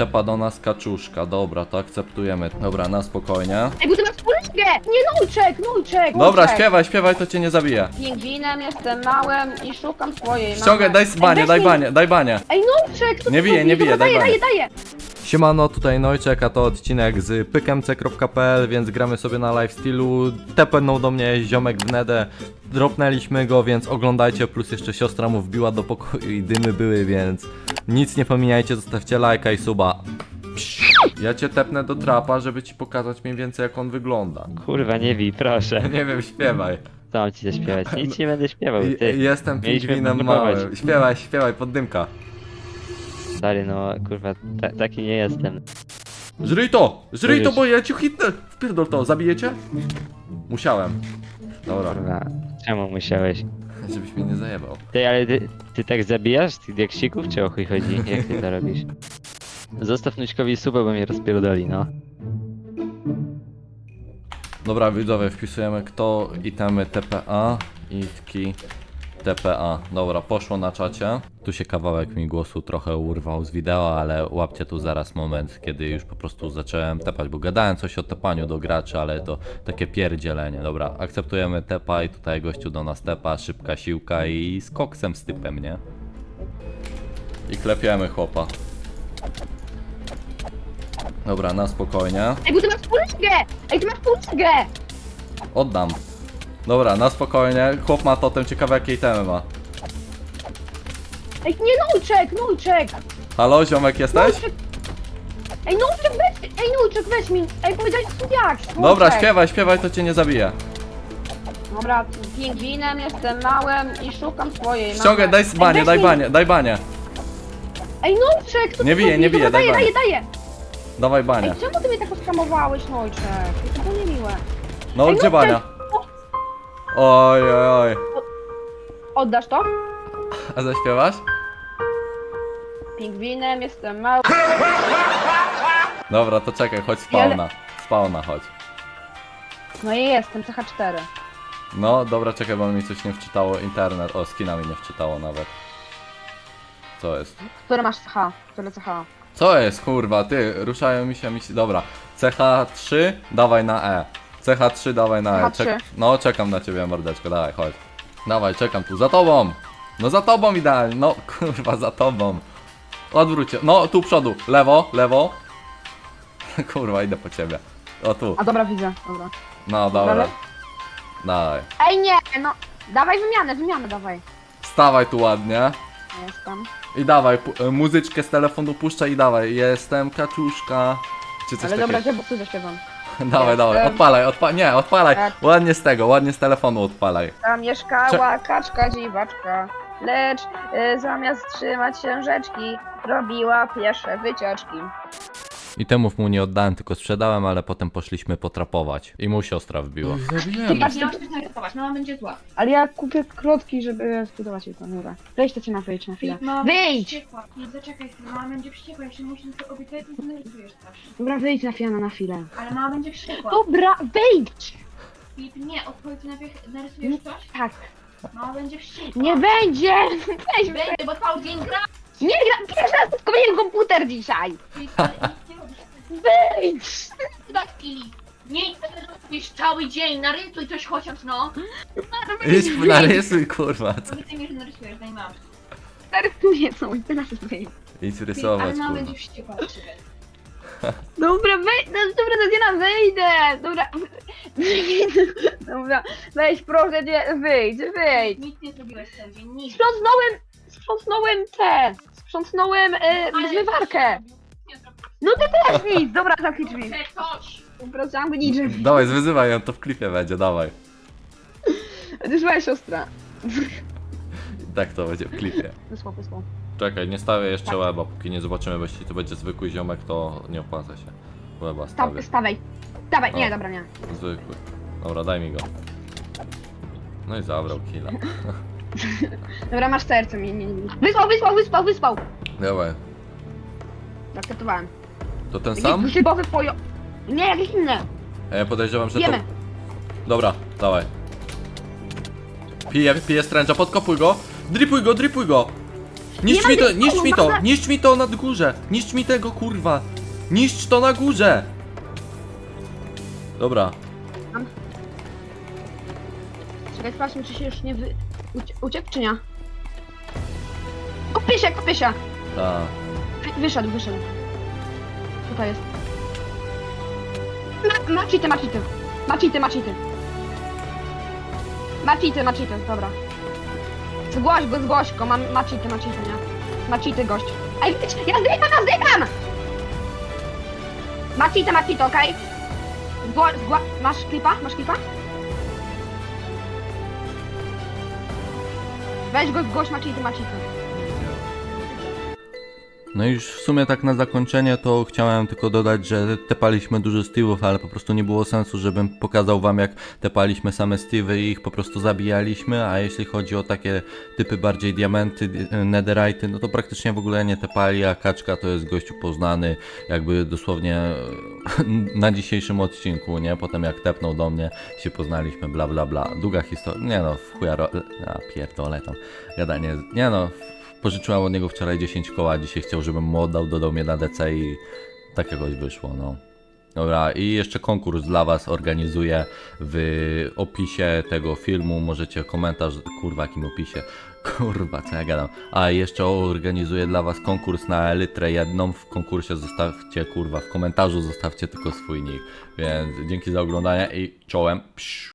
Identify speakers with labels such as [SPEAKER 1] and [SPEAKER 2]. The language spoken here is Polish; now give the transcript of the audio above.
[SPEAKER 1] Tepa do nas kaczuszka, dobra, to akceptujemy. Dobra, na spokojnie.
[SPEAKER 2] Ej, bo ty masz kuleczkę! Nie, Nujczek!
[SPEAKER 1] Dobra, śpiewaj, to cię nie zabije.
[SPEAKER 2] Pingwinem jestem małym i szukam swojej
[SPEAKER 1] Ściągaj, daj banie, daj banie.
[SPEAKER 2] Ej, Nujczek, co
[SPEAKER 1] Nie
[SPEAKER 2] ty
[SPEAKER 1] bije,
[SPEAKER 2] robisz?
[SPEAKER 1] nie bije,
[SPEAKER 2] Dobra,
[SPEAKER 1] daj banie.
[SPEAKER 2] daję.
[SPEAKER 1] Siemano, tutaj Nojczek, a to odcinek z pykmc.pl, więc gramy sobie na lifestylu. Tepnął do mnie ziomek w nedę, dropnęliśmy go, więc oglądajcie, plus jeszcze siostra mu wbiła do pokoju i dymy były, więc nic nie pomijajcie, zostawcie lajka i suba. Ja cię tepnę do trapa, żeby ci pokazać mniej więcej jak on wygląda.
[SPEAKER 3] Kurwa, nie bij, proszę.
[SPEAKER 1] Nie wiem, śpiewaj.
[SPEAKER 3] Co mam ci zaśpiewać? Nic nie będę śpiewał, ty.
[SPEAKER 1] Jestem
[SPEAKER 3] Mieliśmy
[SPEAKER 1] pingwinem
[SPEAKER 3] próbować.
[SPEAKER 1] małym. Śpiewaj, poddymka.
[SPEAKER 3] Stary, no kurwa, taki nie jestem.
[SPEAKER 1] Żryj to,
[SPEAKER 3] Mówisz.
[SPEAKER 1] bo ja ci hitnę. Wpierdol to, zabijecie? Musiałem. Dobra,
[SPEAKER 3] Kurwa, czemu musiałeś?
[SPEAKER 1] żebyś mnie nie zajebał.
[SPEAKER 3] Ty, ale ty tak zabijasz tych diaksików, czy o chuj chodzi? Jak ty to robisz? Zostaw Nućkowi suba, bo mnie rozpierdoli, no.
[SPEAKER 1] Dobra, widzowie, wpisujemy kto, itemy TPA, itki TPA. Dobra, poszło na czacie. Tu się kawałek mi głosu trochę urwał z wideo, ale łapcie tu zaraz moment, kiedy już po prostu zacząłem tepać, bo gadałem coś o tepaniu do graczy, ale to takie pierdzielenie. Dobra, akceptujemy tepa i tutaj gościu do nas tepa, szybka siłka i z koksem z typem, nie? I klepiemy chłopa. Dobra, na spokojnie.
[SPEAKER 2] Ej, bo ty masz kuleczkę!
[SPEAKER 1] Oddam. Dobra, na spokojnie. Chłop ma totem, ciekawe jakie itemy ma.
[SPEAKER 2] Ej, nie, Nujczek!
[SPEAKER 1] Halo, ziomek jesteś?
[SPEAKER 2] Ej, Nujczek, weź mi! Ej, powiedziałeś jak?
[SPEAKER 1] Dobra, śpiewaj, to cię nie zabije.
[SPEAKER 2] Dobra, pingwinem jestem małym i szukam swojej
[SPEAKER 1] Ściągaj, daj banie.
[SPEAKER 2] Ej, Nujczek, co
[SPEAKER 1] Nie
[SPEAKER 2] ty
[SPEAKER 1] bije,
[SPEAKER 2] robisz?
[SPEAKER 1] nie bije,
[SPEAKER 2] Dobra,
[SPEAKER 1] daj banie.
[SPEAKER 2] daję.
[SPEAKER 1] Dawaj banie.
[SPEAKER 2] Ej, czemu ty mnie tak oskamowałeś, Nojczek? To było niemiłe.
[SPEAKER 1] No,
[SPEAKER 2] Ej,
[SPEAKER 1] gdzie
[SPEAKER 2] Nojczek,
[SPEAKER 1] bania? Oj.
[SPEAKER 2] Oddasz to?
[SPEAKER 1] A zaśpiewasz?
[SPEAKER 2] Pingwinem jestem mały.
[SPEAKER 1] Dobra, to czekaj, chodź spawna chodź.
[SPEAKER 2] No i jestem, CH4.
[SPEAKER 1] No, dobra, czekaj, bo mi coś nie wczytało internet. O, skina mi nie wczytało nawet. Co jest?
[SPEAKER 2] Które masz CH? Które CH?
[SPEAKER 1] Co jest, kurwa, ty, ruszają mi się, dobra. CH3, dawaj na E. CH3, dawaj na E.
[SPEAKER 2] CH3.
[SPEAKER 1] No, czekam na ciebie, mordeczko, dawaj, chodź. Dawaj, czekam tu, za tobą. No za tobą idealnie, no kurwa, za tobą. Odwróć się, no tu przodu, lewo. Kurwa, idę po ciebie. O tu,
[SPEAKER 2] A dobra, widzę, dobra.
[SPEAKER 1] no dobra.
[SPEAKER 2] Dalej?
[SPEAKER 1] Dawaj.
[SPEAKER 2] Ej, nie, no. Dawaj wymianę, dawaj.
[SPEAKER 1] Stawaj tu ładnie.
[SPEAKER 2] Jestem.
[SPEAKER 1] I dawaj, muzyczkę z telefonu puszczaj i dawaj. Jestem kaczuszka. Czy coś
[SPEAKER 2] Ale dobra,
[SPEAKER 1] takiego.
[SPEAKER 2] gdzie bo zaśpiewam.
[SPEAKER 1] Dawaj, odpalaj.
[SPEAKER 2] Tak.
[SPEAKER 1] Ładnie z telefonu odpalaj.
[SPEAKER 2] Tam mieszkała kaczka dziwaczka, lecz zamiast trzymać książeczki, robiła piesze wycieczki.
[SPEAKER 1] I temów mu nie oddałem, tylko sprzedałem, ale potem poszliśmy potrapować. I mu siostra wbiła.
[SPEAKER 2] Ty patrz,
[SPEAKER 4] Nie masz coś narysować, mama będzie zła.
[SPEAKER 2] ale ja kupię klotki, żeby zbudować je to, dobra. Weź to cię wyjdź na chwilę.
[SPEAKER 4] Mama
[SPEAKER 2] Wyjdź!
[SPEAKER 4] wściekła. Nie, zaczekaj chwilę, mama będzie wściekła, jeśli musisz to obiecać, to narysujesz coś.
[SPEAKER 2] Dobra, wyjdź na Fiana na chwilę.
[SPEAKER 4] Ale mama będzie wściekła.
[SPEAKER 2] Dobra, wyjdź!
[SPEAKER 4] Filip, nie, odpowiedz najpierw, narysujesz coś?
[SPEAKER 2] Tak.
[SPEAKER 4] Mama będzie wściekła.
[SPEAKER 2] Nie będzie! Weź,
[SPEAKER 4] Będzie, bo cały dzień gra.
[SPEAKER 2] nie gra! Pierwszy raz kupiłem komputer dzisiaj!
[SPEAKER 4] Filip, ale nic nie robisz.
[SPEAKER 2] Wyjdź!
[SPEAKER 4] Tak, Filip. Nie, robisz cały dzień, narysuj coś chociaż, no.
[SPEAKER 1] Narysuj, kurwa.
[SPEAKER 4] Powiedz mi, że narysujesz, daj mam.
[SPEAKER 2] Narysuję coś, teraz wyjdź.
[SPEAKER 1] Idź
[SPEAKER 4] Filip,
[SPEAKER 1] rysować,
[SPEAKER 4] ale mama
[SPEAKER 1] kurwa.
[SPEAKER 4] będzie wściekła na ciebie.
[SPEAKER 2] Dobra, dobra, Tatiana, wyjdę! Dobra, dobra, weź proszę cię, wyjdź.
[SPEAKER 4] Nic nie zrobiłeś cały dzień, nic.
[SPEAKER 2] Sprzątnąłem zmywarkę.
[SPEAKER 4] Nie zrobiłeś.
[SPEAKER 2] No ty też nic, dobra, zamknij drzwi.
[SPEAKER 4] Chcę coś.
[SPEAKER 2] Dobra, zamknij drzwi.
[SPEAKER 1] Dawaj, zwyzywaj ją, to w klipie będzie, dawaj.
[SPEAKER 2] To jest moja siostra.
[SPEAKER 1] Tak to będzie w klipie.
[SPEAKER 2] Wysłał.
[SPEAKER 1] Czekaj, nie stawię jeszcze łeba, póki nie zobaczymy, bo jeśli to będzie zwykły ziomek, to nie opłaca się. Łeba stawię.
[SPEAKER 2] Stawaj. Dawaj, nie,
[SPEAKER 1] O.
[SPEAKER 2] dobra, nie.
[SPEAKER 1] Zwykły. Dobra, daj mi go. No i zabrał killa.
[SPEAKER 2] Dobra, masz serce, nie. Wysłał.
[SPEAKER 1] Dawaj.
[SPEAKER 2] Akceptowałem.
[SPEAKER 1] To ten sam?
[SPEAKER 2] Jakiś grzybowy pojo... Nie, jakieś inne.
[SPEAKER 1] A ja podejrzewam, że to...
[SPEAKER 2] Wiemy.
[SPEAKER 1] Dobra, dawaj. Piję stręcza, podkopuj go. Dripuj go. Niszcz mi to, niszcz mi to,
[SPEAKER 2] Dobra.
[SPEAKER 1] niszcz mi to na górze! Niszcz mi tego, kurwa! Niszcz to na górze! Dobra.
[SPEAKER 2] Czekaj, sprawdźmy, czy się już nie uciekł, czy nie? Kupię się, kupię się!
[SPEAKER 1] Ta.
[SPEAKER 2] Wyszedł. Tutaj jest. Ma cheaty. Ma cheaty, dobra. Zgłoś go, ma cheaty, nie? Ma cheaty gość. Ej, ja zdecham! Ma cheaty, okej? Masz klipa? Weź go, zgłoś, ma cheaty.
[SPEAKER 1] No i już w sumie tak na zakończenie to chciałem tylko dodać, że tepaliśmy dużo Steve'ów, ale po prostu nie było sensu, żebym pokazał wam jak tepaliśmy same Steve'y i ich po prostu zabijaliśmy, a jeśli chodzi o takie typy bardziej diamenty, netherite'y, no to praktycznie w ogóle nie tepali, a Kaczka to jest gościu poznany jakby dosłownie na dzisiejszym odcinku, nie? Potem jak tepnął do mnie, się poznaliśmy, bla bla bla. Długa historia, nie no, w chuja pierdolę tam gadanie, nie no. Pożyczyłem od niego wczoraj 10 koła, dzisiaj chciał, żebym mu oddał, dodał mnie na DC i tak jakoś wyszło, no. Dobra, i jeszcze konkurs dla was organizuję w opisie tego filmu, możecie komentarz, kurwa, jakim opisie, kurwa, co ja gadam. A jeszcze organizuję dla was konkurs na elytrę jedną, w konkursie zostawcie, kurwa, w komentarzu zostawcie tylko swój nick, więc dzięki za oglądanie i czołem. Psz.